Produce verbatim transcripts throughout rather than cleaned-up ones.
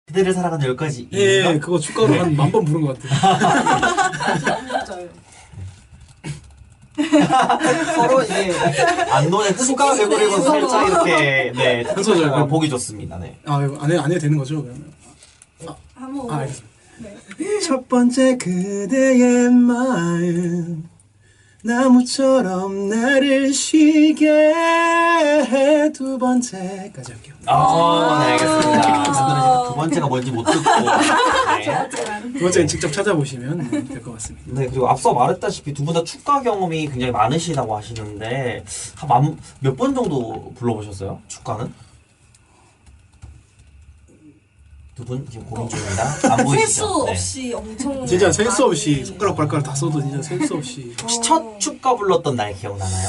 그대를 사랑하는 열 가지 이유가? 예, 그거 축가로 한 만 번 부른 것 같아요. 서로 이게 안노의 추가 개구리고 살짝 이렇게 네 한 소절 어, 보기 좋습니다. 네. 아, 이거 안, 해, 안 해도 되는 거죠? 그러면? 한번 아, 알겠습니다. 네. 첫 번째 그대의 마음 나무처럼 나를 쉬게 해. 두 번째까지 할게요. 아, 네 알겠습니다. 두 번째가 뭔지 못 듣고. 네. 두 번째는 직접 찾아보시면 될 것 같습니다. 네 그리고 앞서 말했다시피 두 분 다 축가 경험이 굉장히 많으시다고 하시는데 한 몇 번 정도 불러보셨어요? 축가는? 두 분 지금 고민 중입니다. 안 보이시죠? 셀수 없이 엄청 진짜 셀 수 없이 많이 손가락 발가락 다 써도 진짜 셀 수 없이. 혹시 첫 축가 불렀던 날 기억나나요?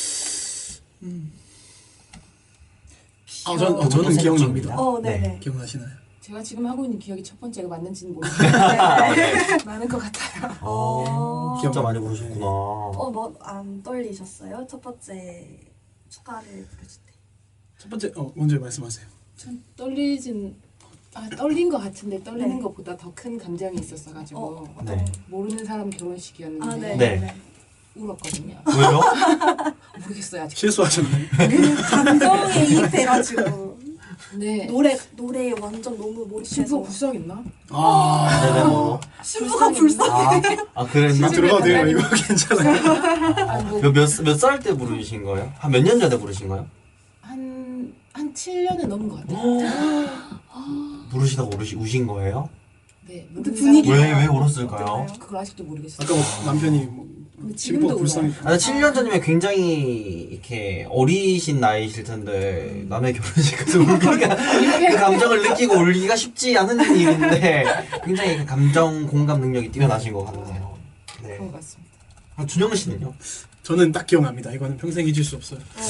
아, 전, 어, 저는 기억납니다. 어, 네네. 기억나시나요? 제가 지금 하고 있는 기억이 첫 번째가 맞는지는 모르겠는데 네. 많은 것 같아요. 어, 진짜 많이 부르셨구나. 어, 뭐 안 떨리셨어요? 첫 번째 축가를 부르실 때. 첫 번째, 어, 먼저 말씀하세요. 전 떨리진 아 떨린 것 같은데 떨리는 네. 것보다 더 큰 감정이 있었어가지고 어, 네. 모르는 사람 결혼식이었는데 아, 네. 네. 네. 울었거든요. 왜요? 모르겠어요 아직. 실수하셨나요? 감정에 이입해가지고 네. 노래 노래에 완전 너무 신부 몰입해서 불쌍했나? 아, 네네 뭐. 신부가 불쌍해. 아, 아 그랬나? 이거 들어가도 돼요? 이거 괜찮아요? 아, 뭐, 몇몇 살 때 부르신 거예요? 한 몇 년 전에 부르신 거예요? 한, 한 칠 년은 넘은 것 같아요. 부르시다가 우시, 우신 거예요? 네. 근데 모르는 분위기가 사람이- 왜 왜 울었을까요? 어땠나요? 그걸 아직도 모르겠어요. 아까 뭐 남편이 뭐 근데 신부 지금도 불쌍해. 울어요. 아, 칠 년 전이면 굉장히 이렇게 어리신 나이실 텐데 남의 결혼식에서 울기가 그 감정을 느끼고 울기가 쉽지 않은 일인데 굉장히 그 감정 공감 능력이 뛰어나신 것 같네요. 네. 그런 것 같습니다. 아, 준영 씨는요? 저는 딱 기억납니다. 이거는 평생 잊을 수 없어요. 어,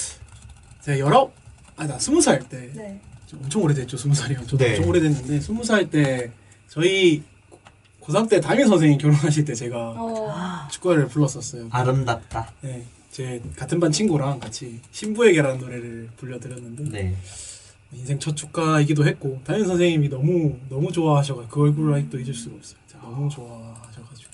제가 열아홉, 아, 나 스무 살 때. 네. 엄청 오래됐죠, 스무 살이면. 저도 네. 엄청 오래됐는데, 스무 살 때, 저희 고삼 때 담임 선생님 결혼하실 때 제가 어, 축가를 불렀었어요. 아름답다. 네, 제 같은 반 친구랑 같이 신부에게라는 노래를 불려드렸는데, 네. 인생 첫 축가이기도 했고, 담임 선생님이 너무, 너무 좋아하셔가지고, 그 얼굴을 아직도 잊을 수가 없어요. 진짜 너무 좋아하셔가지고.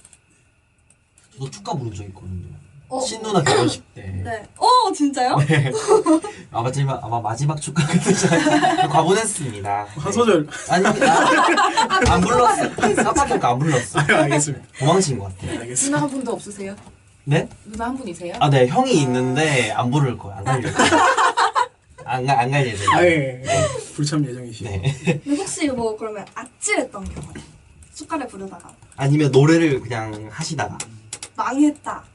저도 축가 부른 적 있거든요. 어. 신누나 결혼식 때. 네. 어, 진짜요? 네. 아, 마지막, 아마 마지막 축가 그때 과분했습니다. 한 소절. 아니, 아, 안 불렀어. 깜빡이니까 안 불렀어. 아, 알겠습니다. 도망친 것 같아요. 누나 알겠습니다. 한 분도 없으세요? 네? 누나 한 분이세요? 아, 네. 형이 있는데 안 부를 거야. 안 갈릴 거야. 안, 가- 안 갈 예정이에요. 아, 예, 예. 불참 예정이시죠. 네. 근데 혹시 뭐 그러면 아찔했던 경험? 축가를 부르다가 아니면 노래를 그냥 하시다가. 망했다.